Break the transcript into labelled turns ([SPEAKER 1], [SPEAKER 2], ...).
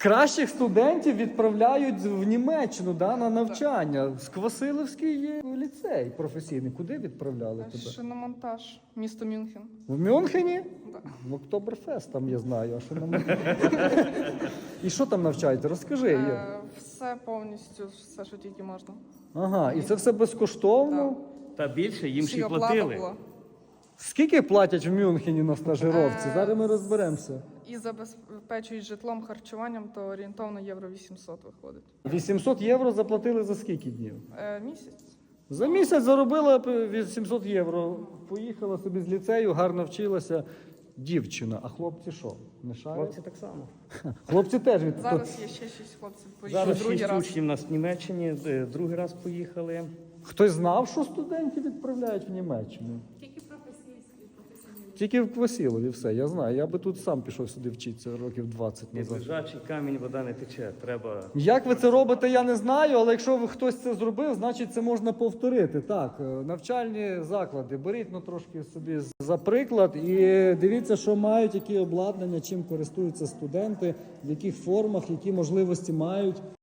[SPEAKER 1] Кращих студентів відправляють в Німеччину, да, на навчання. Квасилівський ліцей професійний. Куди відправляли тебе?
[SPEAKER 2] Шиномонтаж, місто Мюнхен.
[SPEAKER 1] В Мюнхені?
[SPEAKER 2] Да.
[SPEAKER 1] В Октоберфест там я знаю, а що нам... І що там навчаєте? Розкажи.
[SPEAKER 2] Все повністю, все, що тільки можна.
[SPEAKER 1] Ага, і це все безкоштовно?
[SPEAKER 3] Та більше, їм ще й
[SPEAKER 2] Всі оплата
[SPEAKER 3] платили.
[SPEAKER 2] була.
[SPEAKER 1] Скільки платять в Мюнхені на стажировці? Зараз ми розберемося.
[SPEAKER 2] І забезпечують житлом, харчуванням, то орієнтовно євро 800 виходить.
[SPEAKER 1] 800 євро заплатили за скільки днів?
[SPEAKER 2] Місяць.
[SPEAKER 1] За місяць заробила 800 євро. Поїхала собі з ліцею, гарно вчилася. Дівчина, а хлопці що? Не шарять?
[SPEAKER 3] Хлопці так само.
[SPEAKER 1] Хлопці теж від...
[SPEAKER 2] Зараз є ще 6 хлопців. Поїхали
[SPEAKER 3] Зараз
[SPEAKER 2] другий
[SPEAKER 3] 6
[SPEAKER 2] раз.
[SPEAKER 3] учнів у нас в Німеччині, другий раз поїхали.
[SPEAKER 1] Хтось знав, що студентів відправляють в Німеччину? Тільки в Квасілові, все, я знаю. Я би тут сам пішов сюди вчитися років 20
[SPEAKER 3] Від
[SPEAKER 1] назад.
[SPEAKER 3] лежачий камінь вода не тече. Треба.
[SPEAKER 1] Як ви це робите, я не знаю, але якщо ви хтось це зробив, значить це можна повторити. Так, навчальні заклади, беріть трошки собі за приклад і дивіться, що мають, які обладнання, чим користуються студенти, в яких формах, які можливості мають.